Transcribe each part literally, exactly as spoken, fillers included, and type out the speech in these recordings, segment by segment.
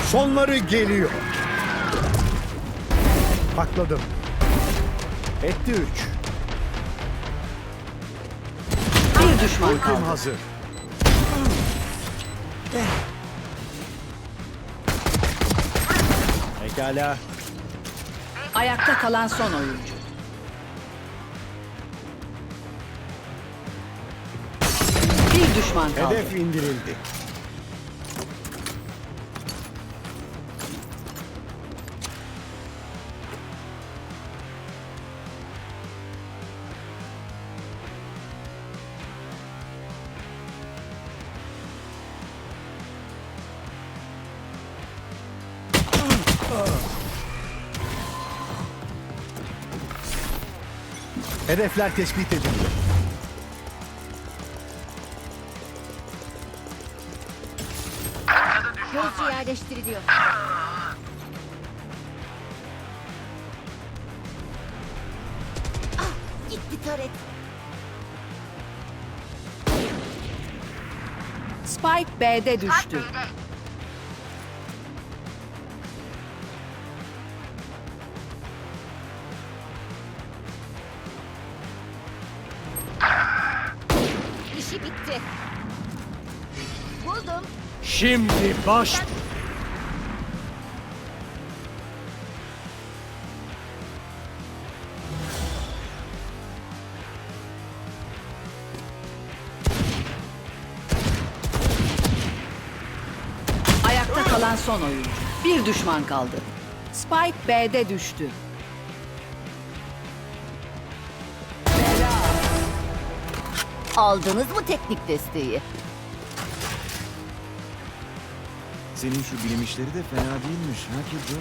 Sonları geliyor. Pakladım. Etti üç. Bir düşman Ultim kaldı. hazır. Pekala. Ayakta kalan son oyuncu. Bir düşman kaldı. Hedef indirildi. Hedefler tespit edildi. Gözcü yerleştiriliyor. Ah, gitti taret. Spike B'de düştü. İşi bitti. Buldum. Şimdi baş... Ayakta kalan son oyuncu. Bir düşman kaldı. Spike B'de düştü. Aldınız mı teknik desteği? Senin şu bilim işleri de fena değilmiş. Ha Killjoy?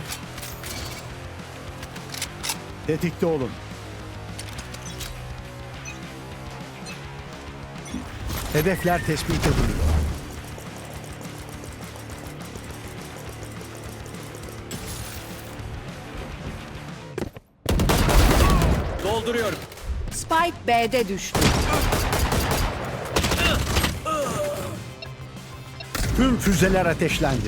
Tetikte olun. Hedefler tespit ediliyor. Dolduruyorum. Spike B'de düştü. Tüm füzeler ateşlendi.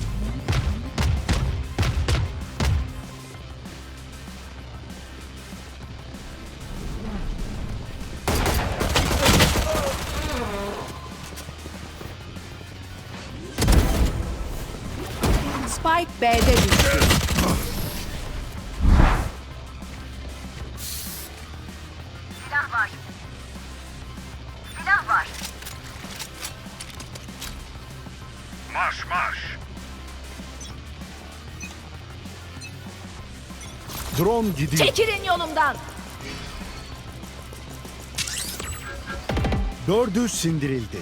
Spike B'de düştü. Silah var. Silah var. Marş marş. Drone gidiyor. Çekilin yolumdan. Dördü sindirildi.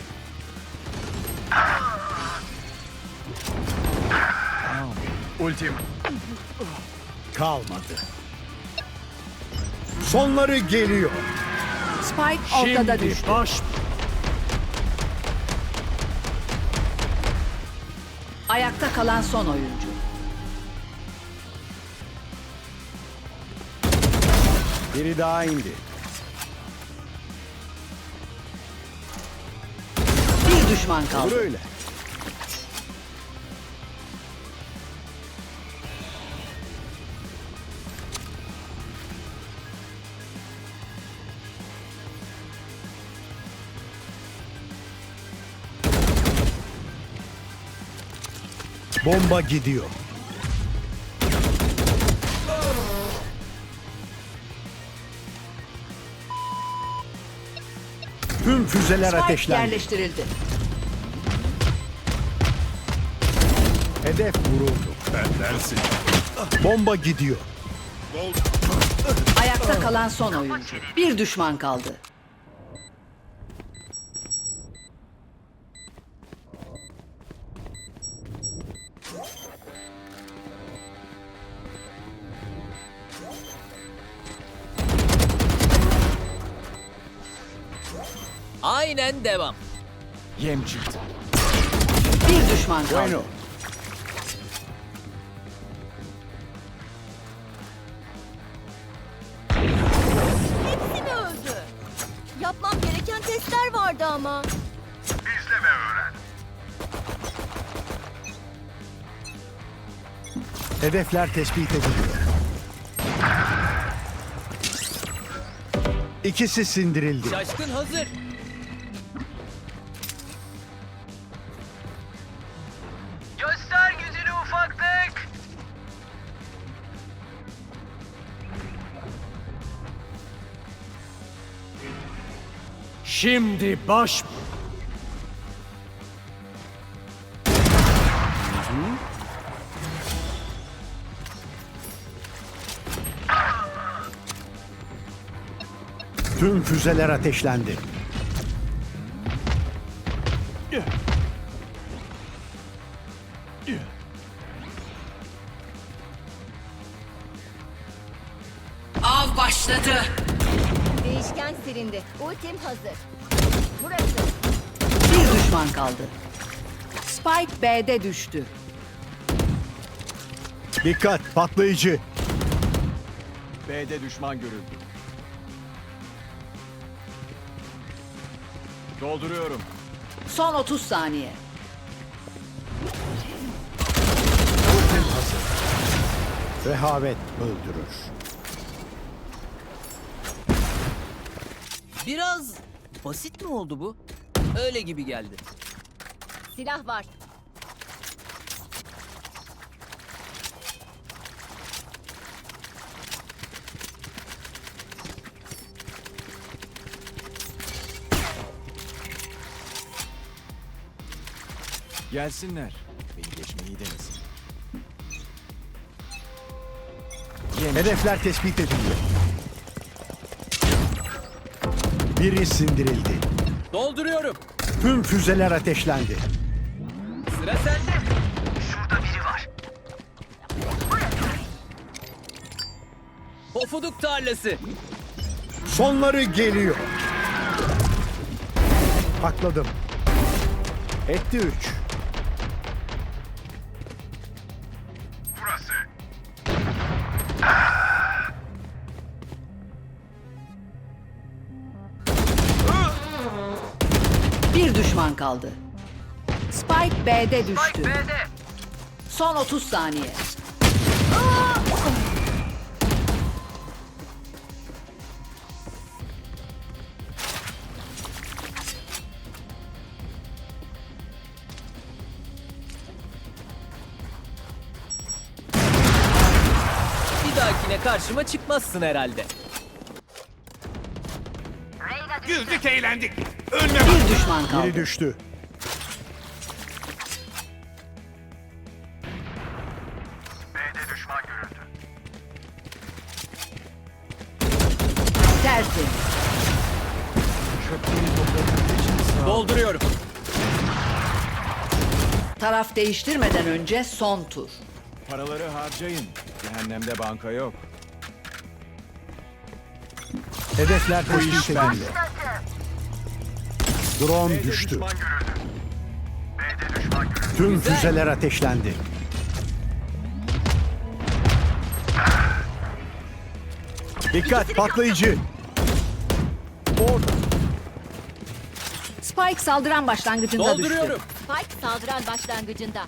Ultim. Kalmadı. Sonları geliyor. Spike ortada Şimdi düştü. baş... Ayakta kalan son oyuncu. Biri daha indi. Bir düşman Olur kaldı. öyle. Bomba gidiyor. Tüm füzeler Spike ateşlendi. yerleştirildi. Hedef vuruldu. Bendensin. Bomba gidiyor. Ayakta kalan son oyuncu. Bir düşman kaldı. Aynen devam. Yem çıktı. Bir düşman kaldı. Bueno. Hepsi mi öldü? Yapmam gereken testler vardı ama. İzle ve öğren. Hedefler tespit ediliyor. İkisi sindirildi. Şaşkın hazır. Göster gücünü ufaklık. Şimdi baş... Tüm füzeler ateşlendi. Av başladı. Değişken silindi. Ultim hazır. Burası. Bir düşman kaldı. Spike B'de düştü. Dikkat, patlayıcı. B'de düşman görüldü. Dolduruyorum. Son otuz saniye. Ultim hazır. Rehavet öldürür. Biraz basit mi oldu bu? Öyle gibi geldi. Silah var. Gelsinler. Beni geçmeyi denesin. Hedefler tespit ediliyor. Biri sindirildi. Dolduruyorum. Tüm füzeler ateşlendi. Sıra sende. Şurada biri var. Pofuduk tarlası. Sonları geliyor. Pakladım. Etti üç. Burası. Bir düşman kaldı. Spike B'de düştü. B'de. Son otuz saniye. Bir dahakine karşıma çıkmazsın herhalde. Güldük eğlendik. Bir düşman kaldı. Biri düştü. B'de düşman görüldü. Tersi. Çöpleri topladığınız için sağ ol. Dolduruyorum. Taraf değiştirmeden önce son tur. Paraları harcayın. Cehennemde banka yok. Hedefler tespit ediliyor. Drone B'de düştü. düşman Görüldü. B'de düşman görüldü. Tüm Güzel. füzeler ateşlendi. Dikkat, patlayıcı. Orada. Spike saldıran başlangıcında düştü. Dolduruyorum. Spike saldıran başlangıcında.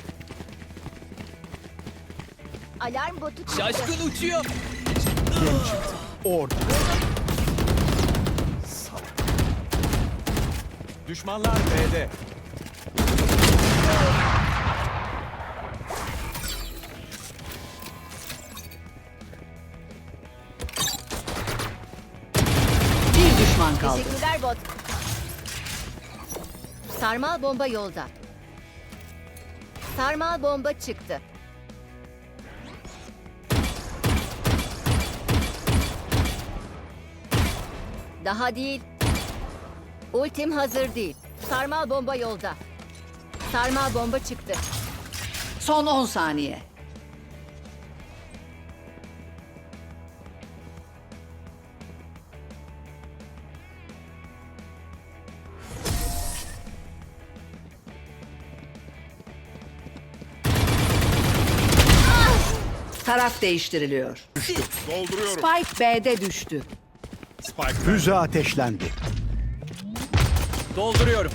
Alarm botu çıktı. Şaşkın uçuyor. Orada. Düşmanlar B'de. Bir düşman kaldı. Teşekkürler bot. Sarmal bomba yolda. Sarmal bomba çıktı. Daha değil. Ultim hazır değil. Sarmal bomba yolda. Sarmal bomba çıktı. Son on saniye. Taraf değiştiriliyor. Dolduruyorum. Spike B'de düştü. Spike Füze ateşlendi. Dolduruyorum.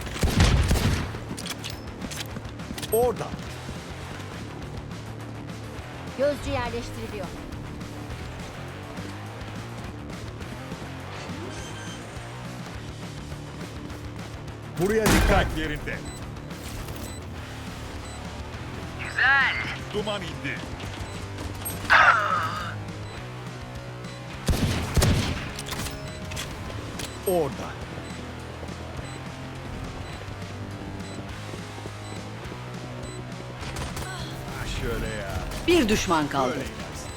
Orada. Gözcü yerleştiriliyor. Buraya dikkat. Spike yerinde. Güzel. Duman indi. Orada. Ha şöyle ya. Bir düşman kaldı. Böyle inersin.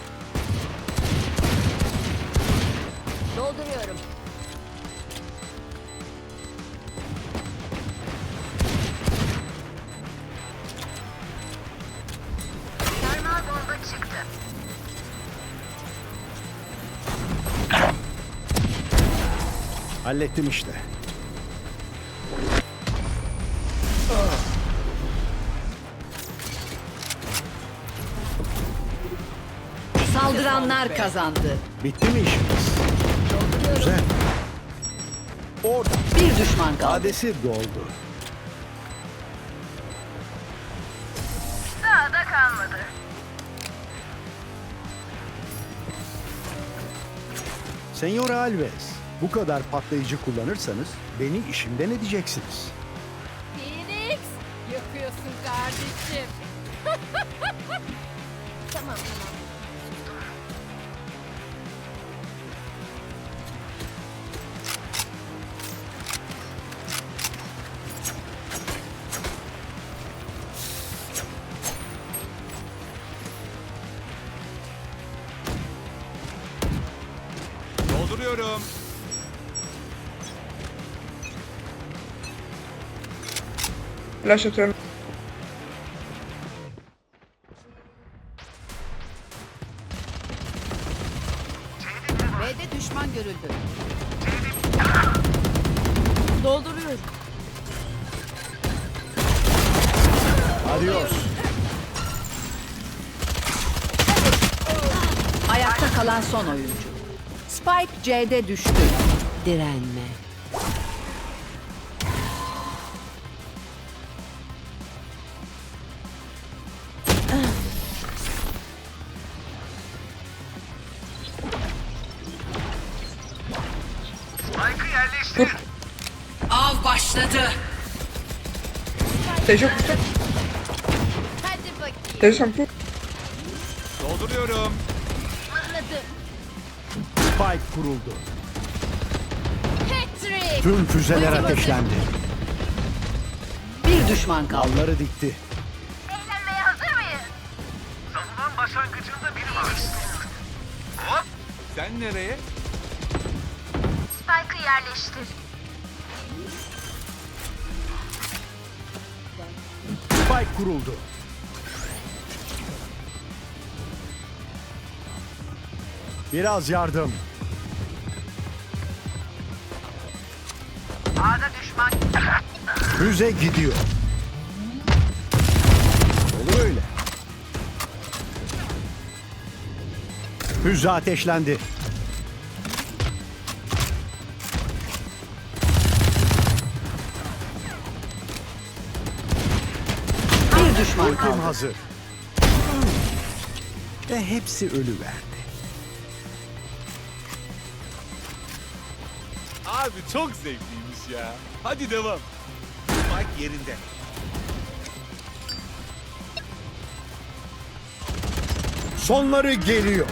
Dolduruyorum. Sarmal bomba çıktı. Hallettim işte. Saldıranlar kazandı. Bitti mi işimiz? Güzel. Orada. Bir düşman kaldı. Adesi doldu. Daha da kalmadı. Senyor Alves, bu kadar patlayıcı kullanırsanız beni işimden edeceksiniz. Phoenix! Yakıyorsun kardeşim. Tamam tamam. Dolduruyorum. Flash atıyorum. B'de düşman görüldü. Dolduruyorum. Adios. Ayakta kalan son oyuncu. Spike C'de düştü. Direnme. Spike'ı yerleştir. Av başladı. Tejo kusur. Hadi bakayım. Tejo sen kur. Dolduruyorum. Anladım. Spike kuruldu. Patrick! Tüm füzeler ateşlendi. Bir düşman kaldı. Dalları dikti. Eğlenmeye hazır mıyız? Savunan başlangıcında biri var. Hop. Sen nereye? Spike'ı yerleştir. Spike kuruldu. Biraz yardım. A'da düşman. Füze gidiyor. Olur öyle. Füze ateşlendi. Bir düşman Ultim kaldı. hazır. Ve hepsi ölüverdi. Abi çok zevkliymiş ya. Hadi devam. Spike yerinde. Sonları geliyor.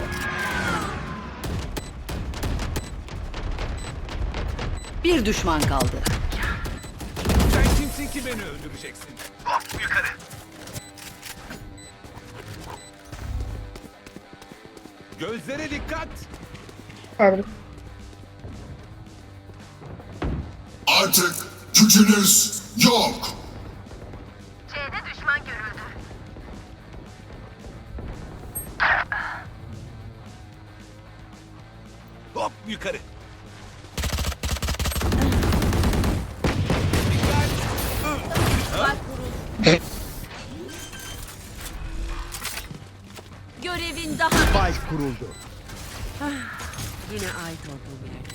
Bir düşman kaldı. Sen kimsin ki beni öldüreceksin? Hop yukarı. Gözlere dikkat. Pardon. Artık gücünüz yok. C'de düşman görüldü. Hop yukarı. Görevin daha... Spike kuruldu. Yine ait olduğum yerde.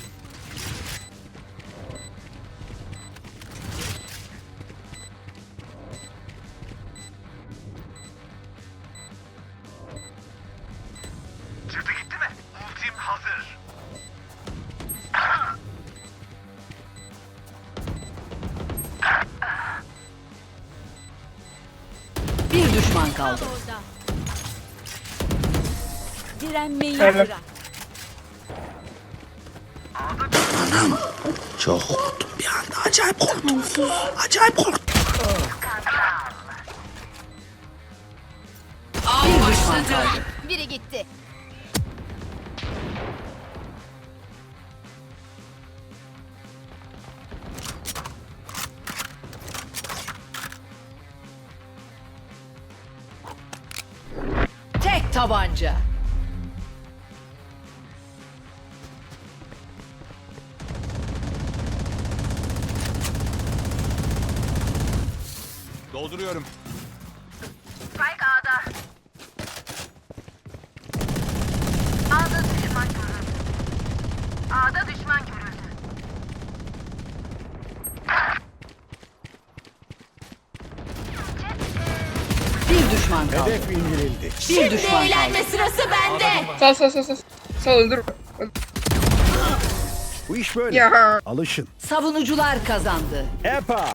düşman kaldı. Direnmeyi Helal. bırak. Bir düşman kaldı. Biri gitti. Tek tabanca. Dolduruyorum. Spike A'da. A'da düşman görüldü. A'da düşman görüldü. Bir düşman kaldı. Hedef indirildi. Bir düşman kaldı. Eğlenme sırası bende. Sal sal sal sal. Sal öldür. Bu iş böyle. Ya. Alışın. Savunucular kazandı. Epa.